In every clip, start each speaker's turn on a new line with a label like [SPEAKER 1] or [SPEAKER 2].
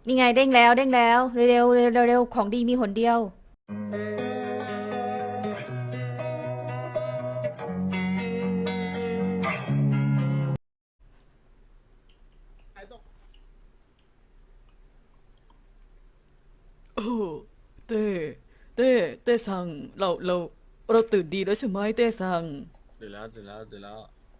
[SPEAKER 1] นี่ไงเด้งแล้วเด้งแล้วเร็วเร็วเร็วเร็วของดีมีหนเดียว
[SPEAKER 2] โอ้เต้เต้เต้สั่งเราตื่นดีแล้วใช่ไหมเต้สั่ง
[SPEAKER 3] ตื่นแล้ว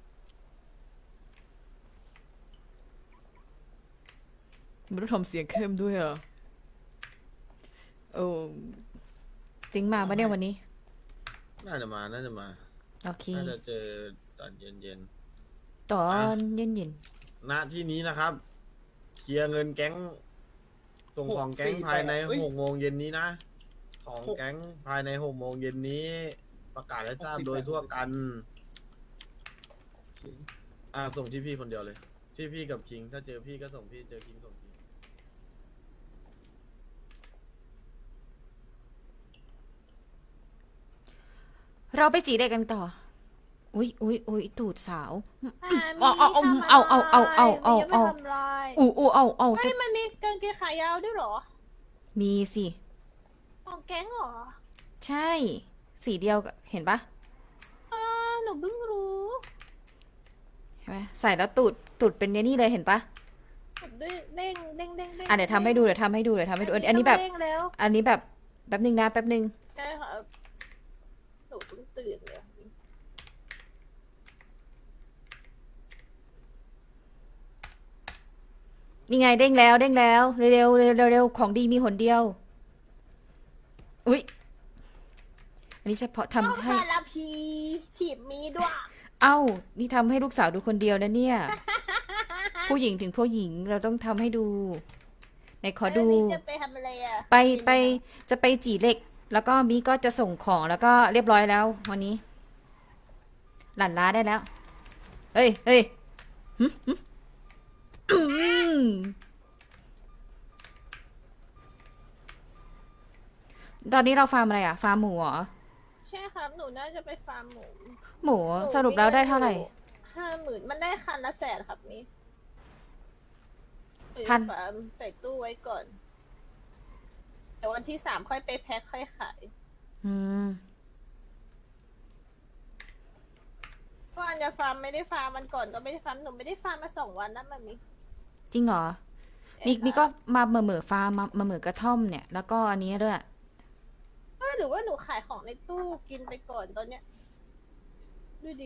[SPEAKER 2] มันต้องทำเสียงเข้มด้วยอ่ะโอ้
[SPEAKER 1] จริงมาปะเนี่ยวันนี้
[SPEAKER 3] น่าจะมา
[SPEAKER 1] โอเค
[SPEAKER 3] น่าจะเจอตอนเย็น
[SPEAKER 1] ตอ
[SPEAKER 3] ๆ
[SPEAKER 1] นเย็นเย็น
[SPEAKER 3] ณที่นี้นะครับเคลียร์เงินแก๊งส่งของแก๊งภายใน6 โมงเย็นนี้นะของแก๊งภายใน6 โมงเย็นนี้ประกาศให้ทราบโดยทั่วกันส่งที่พี่คนเดียวเลยที่พี่กับคิงถ้าเจอพี่ก็ส่งพี่เจอคิงส่งคิง
[SPEAKER 1] เราไปจีเด็กกันต่ออุ้ยตูดสาว
[SPEAKER 4] มี
[SPEAKER 1] เอา
[SPEAKER 4] ทำอะไร
[SPEAKER 1] เอา
[SPEAKER 4] มีจะไปทำอะไร
[SPEAKER 1] อู้เอา
[SPEAKER 4] เฮ้ยมันมีกางเกงขายาวด้วยเหรอ
[SPEAKER 1] มีสิ
[SPEAKER 4] ของแก๊งเหรอ
[SPEAKER 1] ใช่สีเดียวกับเห็นปะ
[SPEAKER 4] หนูเพิ่งรู้
[SPEAKER 1] เห็นไหมใส่แล้วตูดเป็นนี่เลยเห็นปะ
[SPEAKER 4] เด้ง
[SPEAKER 1] เดี๋ยวทำให้ดูอันนี้แบบ
[SPEAKER 4] เด้งแล้ว
[SPEAKER 1] อันนี้แบบแป๊บนึง
[SPEAKER 4] ใช่ค่ะหนูเพิ่งตื่นเลย
[SPEAKER 1] นี่ไงเด้งแล้วเร็วเร็วของดีมีหนเดียวอุ้ยอันนี้เฉพาะทำให้
[SPEAKER 4] คาราพีถีบมีด้วย
[SPEAKER 1] เอ้านี่ทำให้ลูกสาวดูคนเดียวนะเนี่ย ผู้หญิงถึงผู้หญิงเราต้องทำให้ดูไหนขอดู
[SPEAKER 4] จะไปทำอะไรอ่ะ
[SPEAKER 1] ไปจะไปจีเหล็ก แล้วก็มีก็จะส่งของแล้วก็เรียบร้อยแล้ววันนี้ หลั่นล้าได้แล้วเฮ้ยตอนนี้เราฟาร์มอะไรอ่ะฟาร์มหมูเหรอ
[SPEAKER 4] ใช่ครับหนูน่าจะไปฟาร์มหมู
[SPEAKER 1] หมูสรุปแล้วได้เท่าไหร่
[SPEAKER 4] 50,000มันได้คันละ100,000ครับนี่
[SPEAKER 1] พัน
[SPEAKER 4] ฟาร์มใส่ตู้ไว้ก่อนแต่วันที่3ค่อยไปแพ็คค่อยขาย
[SPEAKER 1] อืม
[SPEAKER 4] ก็อันจะฟาร์มไม่ได้ฟาร์มมันก่อนก็ไม่ได้ฟาร์มหนูไม่ได้ฟาร์มมา2 วันนะมันมี
[SPEAKER 1] จริงเหรอมีก็มาเหม่อฟาร์มมาเหม่อกระท่อมเนี่ยแล้วก็อันนี้ด้วย
[SPEAKER 4] หรือว่าหนูขายของในตู้กินไปก่อนตอนเนี้ยดูดิ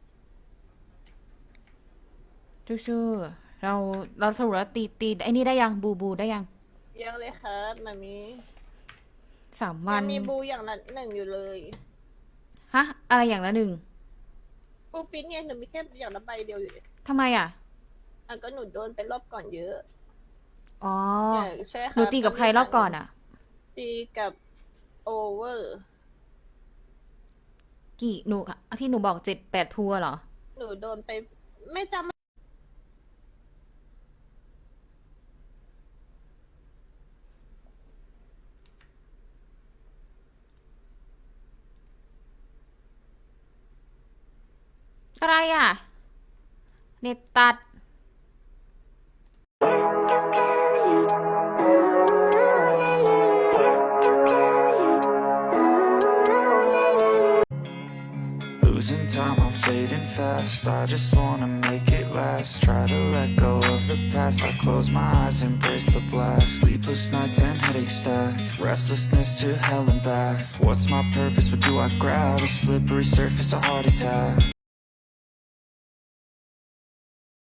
[SPEAKER 1] ชู้ๆเราสรุปแล้วตีไอ้นี่ได้ยังบูได้ยัง
[SPEAKER 4] ยังเลยครับมันมี
[SPEAKER 1] 3 วัน
[SPEAKER 4] มีบูอย่างละ1อยู่เลย
[SPEAKER 1] ฮะอะไรอย่างละ1
[SPEAKER 4] บูปิ้นเนี่ยหนูมีแค่อย่างละใบเดียวอยู่เลย
[SPEAKER 1] ทำไมอ่ะ
[SPEAKER 4] ก็หนูโดนไปรอบก่อนเยอะ
[SPEAKER 1] อ๋อ
[SPEAKER 4] ใช่ครับ
[SPEAKER 1] หนูตีกับใครรอบก่อนอ่ะ
[SPEAKER 4] ตีกับโอเวอร์
[SPEAKER 1] กี่หนูที่หนูบอก7-8พัวเหรอ
[SPEAKER 4] หนูโดนไปไม่จำ
[SPEAKER 1] อะไรอ่ะเน็ตตัด
[SPEAKER 5] Losing time, I'm fading fast. I just wanna make it last. Try to let go of the past. I close my eyes, embrace the blast. Sleepless nights and headaches stack. Restlessness to hell and back. What's my purpose? What do I grab? A slippery surface, a heart attack.